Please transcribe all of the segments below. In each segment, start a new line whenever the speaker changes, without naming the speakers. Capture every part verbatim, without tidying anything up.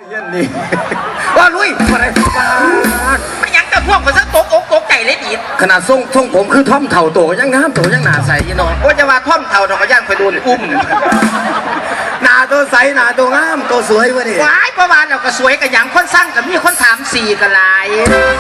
เงี้ยนี่ว่าลุยอะไร
ไม่ยังแต่พวกมันสักตกอกตกใจเลยดี
ขนาดทรงทรงผมคือท่อมเถ่าโตยังงามโตยังหนาใสยี่น้อง
ว่าจะมาท่อมเถ่าดอกย่างไปโดนอุ้ม
หนาตัวใสหนาตัวงามตัวสวยวะนี่
ว้ายประมาณเราก็สวยกันอย่างคนสร้างกับมีคนถามสี่กันลาย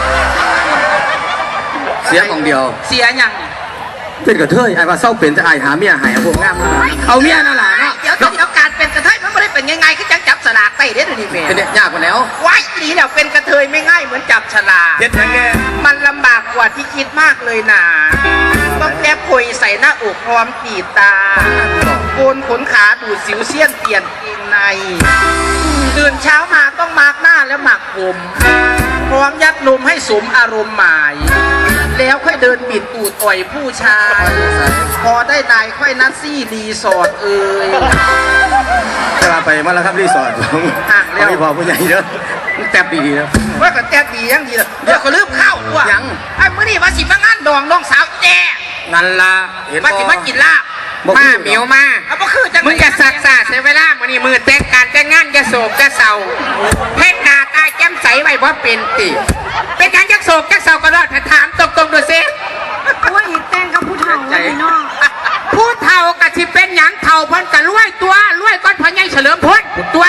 เสียของเดียว
เสียยัง
เป็นกระเทยไอ้ว่าเศร้าเป็นจะไอ้หาเมียหายพวกงามเอาเมียนั่นแหละเนาะ
เดี๋ยวเดี๋ยวการเป็นกระเทยมันไม่ได้เป็นยังไงคือจังจับสลากไปเด้อนี่เมย์
เป็นเนี่ยยากกว่าแล้ว
ว้ายนี่เนี่ยเป็นกระเทยไม่ง่ายเหมือนจับฉลาก
เด็ดยังไง
มันลำบากกว่าที่คิดมากเลยนะต้องแก้คุยใส่หน้าอกพร้อมขีดตาโกนขนขาดูดสิวเสี้ยนเปลี่ยนเกงในตื่นเช้ามาต้องมาร์กหน้าแล้วหมักผมพร้อมยัดนมให้สมอารมณ์หมายแล้วค่อยเดินบิดตูดอ่อยผู้ชายพอได้นายค่อยนัดซี่รีสอร์ทเอ่ย
จะมาไปมาแล้วครับรีสอร์ทของ
ห่างแล้ว
ไม่พอผู้ใหญ่เด้อแทบดีๆนะ
ว่าก็แทบดียังดีเลยเดี๋ยวก็ลืมข้าวว่ะ
ยัง
ไอ้เมื่อนี่มาสิมางานดองน้องสาวแจ้
นั่นละ
มาสิมากินลาบ
มาเหมียวมา
เอาบ่คือจัง
มึงจะสักษาเสียเวลามื้อนี้มือแต่งการแต่งงานจะโศกจะเศร้าเพชรหน้าตาแจ่มใสไว้บ่เป็นติเป็นการจักโศกจักเศร้าก็รอดถ้าถามตรงๆดูซิ
ว่าอีกแต่งกับผู้เฒ่าแล้วพี่น้อง
ผู้เฒ่าก็สิเป็นหยังเฒ่าเพิ่นก็รวยตัวรวยก้อนพ่อใหญ่เฉลิมพลตัว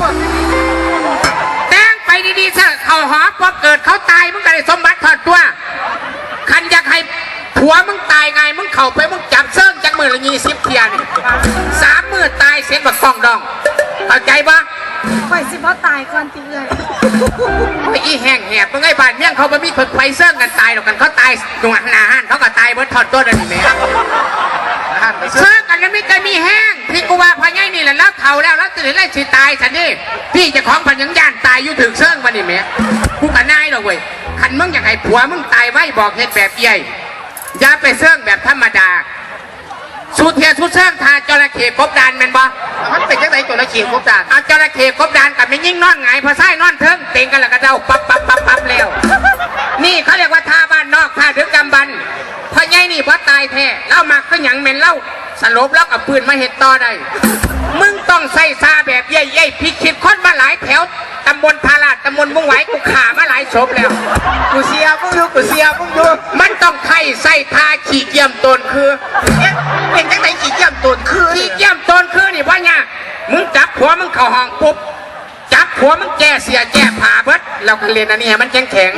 แต่งไปดีๆซะเข้าหอพอเกิดเขาตายมึงก็ได้สมบัติทอดตัวคันอยากให้ผัวมึงตายไงมึงเข้าไปมึงจับเซิร์งจักมือละยี่สิบเทียนสามมือตายเสียงแบบกองดองเข้าใจปะ
ข่อยสิบ่ตายก่อนตีเลย
โอ้ยอีแห้งแหบมึงไอ้บ้านเมี่ยงเขาไม่มีคนไฟเซิร์งกันตายหรอกกันเขาตายหนวดหนาหันเขาก็ตายเบิดทอดตัวนั่นแหละเซิร์งกันแล้วไม่เคยมีแห้งพี่กูว่าพญายนี่แหละแล้วเท่าแล้วแล้วตื่นแล้วสิตายสันนี่พี่จะของพันยังย่านตายอยู่ถึงเซิร์งมาดิแม่กูกันนายหรอกเว้ยคันมึงอยากให้ผัวมึงตายไว้บอกเหตุแบบใหญ่อย่าไปเสื่องแบบธรรมดาสุดเทียสุดเสื่องทาจระเข้กบดานแมนบอ
มันเป็นยังไงจระเข้กบดาน
เอาจระเข้กบดานกับไม่ยิ่งนอนไงพอไส้นอนเทิงเต็งกันแล้วก็เดาปั๊บปั๊บปั๊บปั๊บแล้วนี่เขาเรียกว่าท่าบ้านนอกท่าดึกดำบรรพอไงนี่พอตายแท้เล่ามักก็หยังเมนเล่าสลบแล้วกับปืนมาเห็ดต่อได้มึงต้องใส่ซาแบบใหญ่ๆพิคิดคนมาหลายแถวตำบลพาราดตำบลมุ่งไหวกูขามาหลายศพแล้ว
กูเสียมึงดูกูเสียมึงดู
มันต้องไข่ใส่ทาขี้เกียมตนคือ
เป็นจังไหนขี้เกียมตนคือ
ขี้เกียมตนคือนี่ว่าเนี่ยมึงจับหัวมึงเข่าห้องปุ๊บจับหัวมึงแก่เสียแก่ผ่าเบิดเราก็เรียนอันนี้มันแข็งแข็ง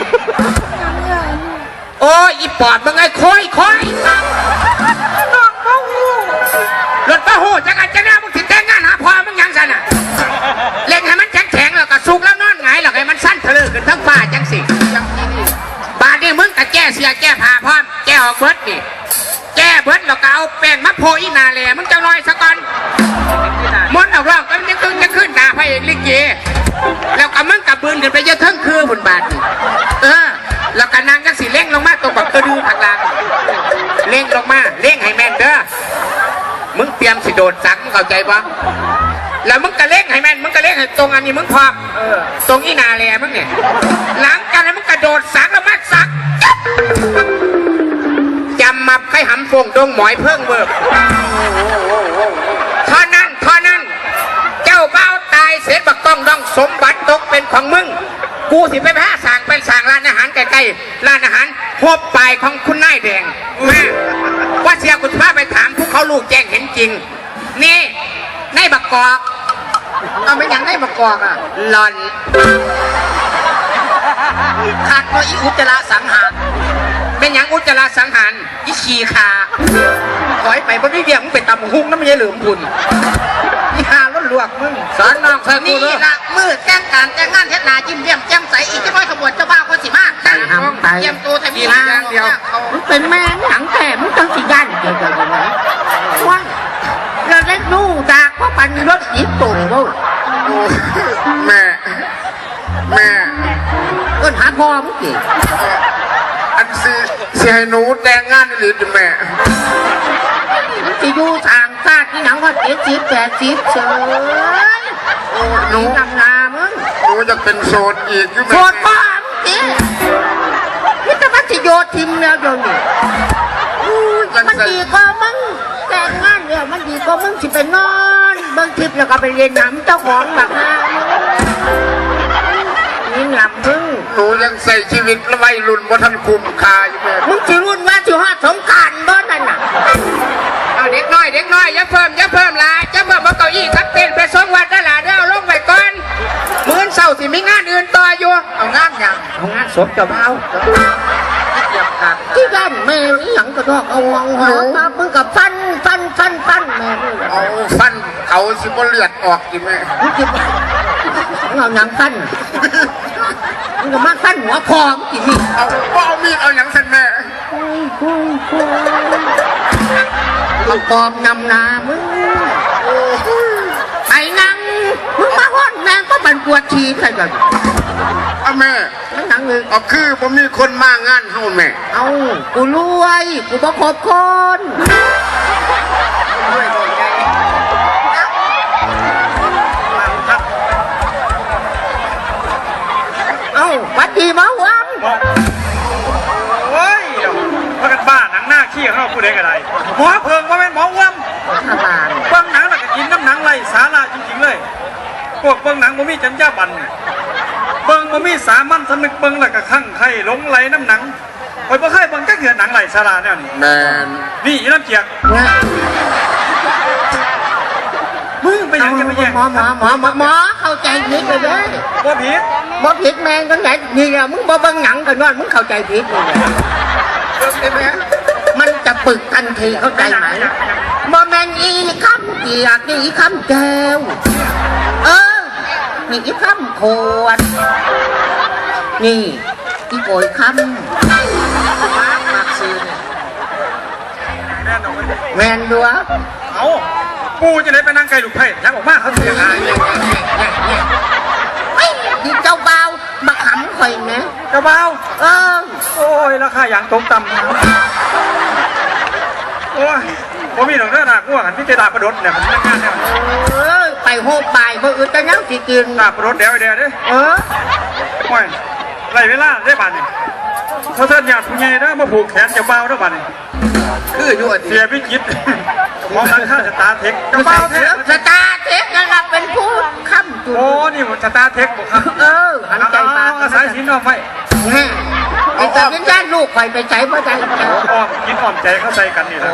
โอ้ยอีปอดมึงไอ้ค่อยค่อยรถป้าหูจักรจักรมึงถึงแต่งงานหาพอมึงยังสันอ่ะเล่นให้มันแข็งแข็งแล้วก็สุกแล้วนอนไงหรอกให้มันสั้นทะลึ่งขึ้นทั้งฟ้าจังสิบาดนี่มึงก็แก้เสียแก้ผ่าพร้อมแก้ออกเบิดนี่แก้เบิดแล้วก็เอาแป้งมะโพอีนาแหล่มึงจะลอยสักก่อนมดเอาร่องก็จะขึ้นจะขึ้นด่าพระเอกลิเกแล้วก็มึงกับบืนขึ้นไปเยอะทั้งคืนบนบาดนี่เออแล้วก็นางจังสิเล่งลงมาตรงแบบกระดูกข้างล่างเล่งลงมาเล่งให้แม่นเด้อมึงเตรียมสิโดดสักมึงเข้าใจปะแล้วมึงก็เล่งให้แม่นมึงก็เล่งให้ตรงอันนี้มึงพร้อมตรงอีนาแหล่มึงเนี่ยหลังจากนั้นมึงกระโดดสักแล้วมัดสักจำมาให้หำฟงดงหมอยเพิ่งเบิกเท่านั้นเท่านั้นเจ้าเบ้าตายเสร็จบักต้องดองสมบัติตกเป็นของมึงกูสิไปแพ้สั่งเป็นสั่งร้านอาหารใกล้ๆร้านอาหารพบปลายของคุณนายแดงแม่ว่าเสียคุณพาไปถามพวกเขาลูกแจ้งเห็นจริงนี่ในบักกอก
เอาไม่ยังได้มากอกอ่ะ
หลอน
ขาดตัวอีอุจจาระสังหาร
เป็นอย่างอุจจาระสังหาร
อีขี้ขาถอยไปเพราะพี่เบี้ยมึงไปตำหุ้งน้ำมันยังเหลือมบุญนี่หาล้นลวกมึง
สอนน้องเคย
นี่ละมือแจ้งการแจ้งงานเทศนาจิ้มเยี่ยมแจ่มใสอีกจะร้อยขบวนเจ้าบ้าคนสิมากตั้งเยี่ยมตัวทำมี
ทางเดียว
มึงเป็นแม่หนังแต่มึงต้องสิยันเดียวกันนะว่าเราได้ดูจากว่าปันรถยิบตุ่มบ่
แม่แม่
เอิ้นหาพ่อมึงดิ
อันสิสิให้หนูแต่งงานหรือแม่
มันจะอยู่ทางชาติที่หนังว่าเจ็ดสิบแปดสิบเฉย
โอ้หนู
ทำงานมึง
หนูจะเป็นโสดอีกอยู่ไหม
โสดพ่อมึงดินี่แต่ว่าจะโยทิมแล้วเดี๋ยวนี้มันดีก็มึงแต่งงานเนี่ยมันดีก็มึงสิไปนอนเบิ่งทิพย์แล้วก็ไปเรียนน้ำเจ้าของแบบนั้นลำมึง
หนูยังใส่ชีวิตและวัยรุ่นบ่ทันคุ้มค่าอยู่แม่
มึงสิรุ่นว่าสิฮอดสงกรานต์บ่นั่นน่ะ
เอาเด็กน้อยเด็กน้อยอย่าเพิ่มอย่าเพิ่มหลายอย่าเพิ่มเอาเก้าอี้ทักเต้นไปสองวันได้หลายเด้อเอาลงไปก่อนมื้อเช้าสิมีงานอื่นต่ออยู่เอางานหยังเอางานศพเจ้าบ่าว
ที่บ้านแม่อีหยังก็ดอกเอาวังหอมามึงกับฟันฟันฟันฟันแม่มึง
เอาฟันเขาสิบ่เลือดออกอีแม่
มึงจะเอาหยังฟันมึงก็มาฟันหัวคอมกินนี่
เอาบ่เอามีดเอาหยังสั่นแม่
เอาคอมนำนามึงไอ้นังมึงมาห้อนแม่ก็บันปวดทีใครกัน
เอาแม่
นั่งนังเลย
เอาคือบ่มีคนมางานเฮาแม่
เอากูรวยกูบ่ครบคนเอาวัดดีมาวัง
โอ้ยพากันบ้าหนังหน้าขี้ของเราผู้ใดก็ได้หมอเพิงว่าเป็นหมออ้วม
ทบาน
เบิ้งหนังแล้วก็กินน้ำหนังไรสาระจริงๆเลยพวกเบิ้งหนังบ่มีจำยาบันเบิ้งบ่มีสามัญสำนึกเบิ้งแล้วก็คั่งไข่หลงไหลน้ำหนังคอยบ่เคยเบิ้งก็เกิดหนังไรสาระเนี่ยนี่
แม่น
นี่อีน้ำเจียก
นะ
มึงไปยังจะไปแย่ง
หมอหมอหมอหมอหมอเข้าใจผิดไปเลย
บ่ผิด
บ่ผิดแมงกันไหนนี่แหละมึงบ่เบิ่งหนังกันนอนมึงเข้าใจผิดนี่แหละ
เบิ่งได้แม่
มันจะปึกทันทีเข้าใจไหมบ่แมนอีคำเกียกนี่อีคำแก้วเออนี่อีคำขวดนี่อีโกยคำมากซื้อเนี่ย
แน่นอน
แมนดัว
เอาปูจะได้ไปนั่งไกลลูกไผ่ยังออกมาเขาเสียหาย
เฮ้ยนี่เจ้าเบามาขำข่อยนะ
เจ้าเบา
เออ
โอ้ยราคาอย่างตกต่ำโอ้ยผมมีหนังเนื้อหนักง่วงหันพิจารณาประดดเนี่ยผมนั่งงานเนี่ย
เออไปโหบบ่ายเมื่ออื่นแต่ยังสิกิน
หน้าประดดเดี๋ยวเดี๋ยวเด้
เออ
โอ้ยไรเวลาได้บัตรนี่เขาเทิดญาติผู้ใหญ่ได้มาผูกแขนเจ้าเบาได้บัตรนี่
คืออยู่อัน
เสียพิจิตมองมันค่าสตาร์เทคเจ้าเบาเทค
สตาร์เทคนะครับเป็นผู้ค้ำจุด
โอ้นี่ผมสตาร์เทคบอกครับ
เออหันใจปาก
อาศัยสินอ้อมไว้
แม่ไอ้แต่เป็นญาติลูกข่อยไปใจเพราะใจใจ
อ้อมกินอ้อมใจเข้าใจกันนี่แหละ
โอ้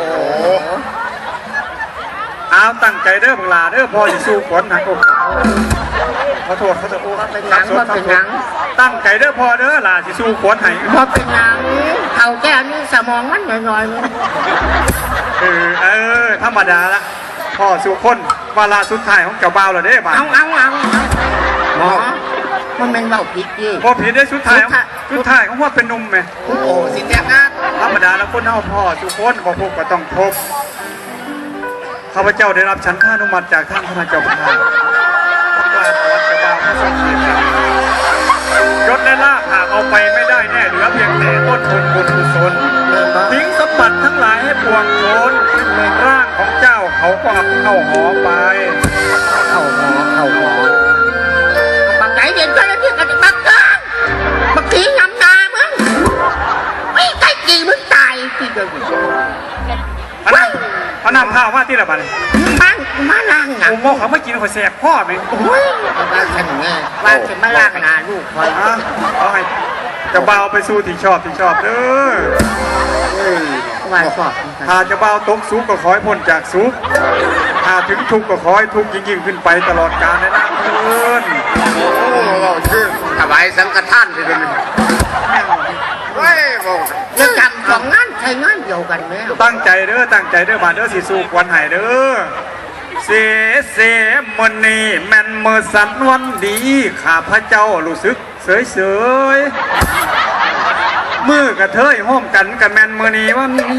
เอาตั้งใจเด้อบังลาเด้อพอจะสู้ฝนนะโอ้ขอโทษขอโทษโอ้
เป็นหนังว่าเป็นหนัง
ตั้งใจเด้อพอเด้อลาสิสู้ฝนให้
พอเป็นหนังเขาแก้วนี่สมองมันหน่อยๆมึง
เออเออธรรมดาละพ่อสู่คนวาลาสุดท้ายของเจ้าบ่าวแล้วเด้บ่า
เอาเอาเอาหมอมันเป็นเบาผิดดิ
พอผิดได้สุดท้ายของสุดท้ายของว่าเป็นหนุ่มไหม
โอ้สิแต่งงาน
ธรรมดาแล้วคนเฮาพ่อสู่คนบ่พบก็ต้องพบข้าพเจ้าได้รับฉันข้านุมัติจากท่านพระเจ้าพระกราบวัดเจ้าบ่าวพระสังฆียศและลาภหากเอาไปไม่ได้แน่เหลือเพียงแต่ต้นทุนบุญกุศลทิ้งสมบัติทั้งหลายให้ปวงชนร่างของเจ้าเขาก็เอาเข้าหอไป
เข้าหมอเข้าหมอปักไหนเด่นก็แล้วที่กันปักกลางปักทีงำนามึงไม่ใช่กี่มึงตายที่เดียว
พนันพนันข้าวมาที่ละบัดนี้
มันมาล่างหนัง
ผมบอกเขาไม่กินเขาแสบพ่อไหม
โอ้ยว่าฉันไงว่าฉันมาล่างหนาลูกคอย
อ่ะเอาให้เจะเบาวไปสู้ที่ชอบที่ชอบเด้อ
ว่าชอบ
ถ้าเจะเบาวตกสุขก็ขอให้พ้นจากสุขถ้าถึงทุกข์ก็ขอให้ทุกข์ยิ่งยิ่งขึ้นไปตลอดกาลในน้ำเพื่อน
โอ้เราคือถวายสังฆทานไปเลยเว้ยบอก
จะจำสองงานใช้งานเดียวกันไหม
ตั้งใจเด้อตั้งใจเด้อบาดเด้อสิสู้ควันใหายเด้อเสเสมอนีแม่นเมื่อสันวันดีข้าพระเจ้ารู้สึกเสยเสยๆมือกระเทยห้อมกันกับแม่นมือนีวันนี้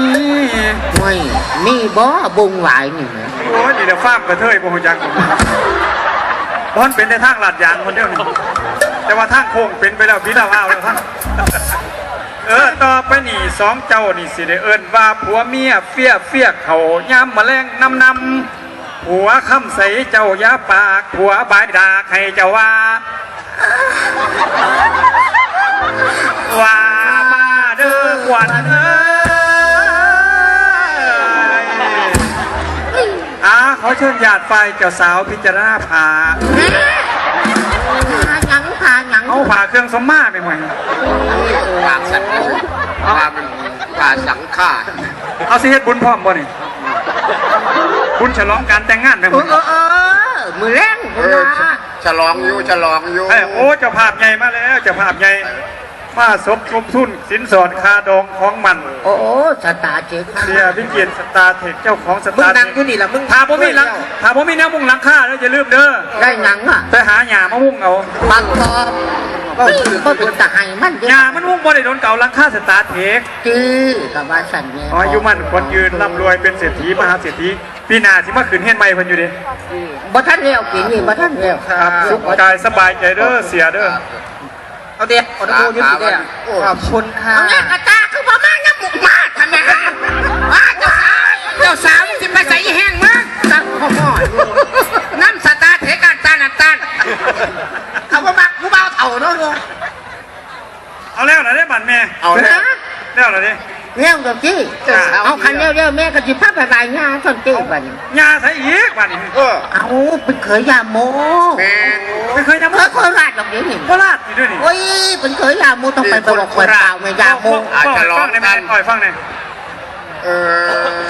ไม่มีบ่บุงหลายนี่ไหม
โอ้ยนี่เดี๋ยวฟาบกระเทยบ่ฮู้จักบอนเป็นในทางลาดยางคนเดียวนี่แต่ว่าทางโค้งเป็นไปแล้วพี่ดาวอ้าวแล้วท่านเออต่อไปนี่สองเจ้านี่สิได้เอิ้นว่าผัวเมียเฟี้ยเฟี้ยเขาย้ำแมลงนำนำผัวคำใสเจ้ายาปากผัวบายดากให้เจ้าว่าว่ามาเด้อขวัญเอ้ยอ่าขอเชิญญาติฝ่ายเจ้าสาวพิจารณาผ่า
พาหยังพาหยัง
เอาผผ่าเครื่องสมมาไปหมด
ปากสัตว์ปากมันปากสังฆา
เอาสิเฮ็ดบุญพร้อมบ่นี่บุญฉลองการแต่งงานไปห
เอ
ม
อ
ด
เออเออมือแรง
เอ
คุณ
อ
นะ
ฉลองอยู่ฉลองอยู่
เอ้ยโอ้เจ้าภาพใหญ่มาแล้วเจ้าภาพใหญ่มาสมทบทุนสินสอดคาดองของมัน
โอ้โหสตาร์เจ๊ค่ะ
เสียวิเกียรติสตาร์เทคเจ้าของส
มึง
ตาร์เท
นั่ง
ค
อยู่นี่ล่ะมึง
ถ้าผมมีหลังถ้าผมมีแนวมุ่งหลังค่าแล้วอย่าลืมเด้อ
ได้หนังอ่ะ
ไปหาหญ้ามามุ่งเอา
บางกอบก็เป็นตะไห้มันเด้
หญ้ามันมุ่งบ่ได้โดนเก่าหลังค่าสตาร์เทค
จื้อกับว่าสันเนี่ย
อ๋ออายุมันคนยืนร่ำรวยเป็นเศรษฐีมหาเศรษฐีปีหน้าสิมาขึ้นเฮียนใหม่เพิ่นอยู่เดิ
บ่ท่านเลี้ยวปีนี้บ่ท่านเลี้ยว
ครับสุขกายสบายใจเด้อเสียเด้อ
เอาเด็กเอาตะโกนอยืนสิเด็กขอบคุณค่ะ
เอาเนี่ยกระตาคือบ่มาน้ำหมุกมาทำไมว่าเจ้าสาวเจ้าสาวสิไปใส่แห้งมั้ง
ตั้งข้อหม้ออยู่
น้ำสตาร์เทกันตานันตัน
เขาว่ามักผู้เบาเถ่าเนาะลุง
เอาแล้วนะเด้บัดแม่
เอาเนี่ย
แล้วนะเด้
เลี้ยวกับจี้เอาคันเลี้ยวเลี้ยวแม่ก็สิพาไปบายงาส่วนเจ้บัดนี้
หญ้าใส่อีกบัดนี้
เออ
เอาเป็นเคยยาโม
แมน
ไม่เคยทำ
เคยโคราชดอกเดี๋ยวนี้
โคราชอยู่ด้วยนี่
โอ้ยเป็นเคยยาโมต้องไปบอกเปิดเปล่าไม่ยาโม
อาจจะร้องได้ไหมอ่อยฟังหน่อย
เออ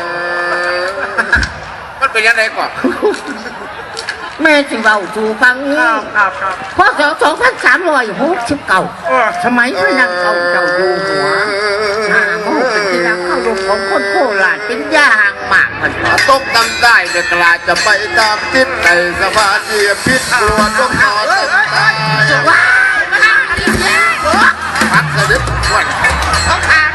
มันเป็นยังไงก่อน
แม่สิเว้าสู่ฟังนี่
ครับครับครับ
พศสองพันสามร้อยหกสิบเก้า
เออ
สมัยพระนางเขาเจ้าอยู่หัวหน้าโมเป็นที่รักเข้ารมของคนโคราชเป็นยาห่างมากมัน
ตกตำได้เนี่ยกลาจะไปตามทิศในสมาธิพิษกลัวต้องนอนต้องตาย
ว้าวมาดิเจ้
พักสะดึกวัน
ต้องทาน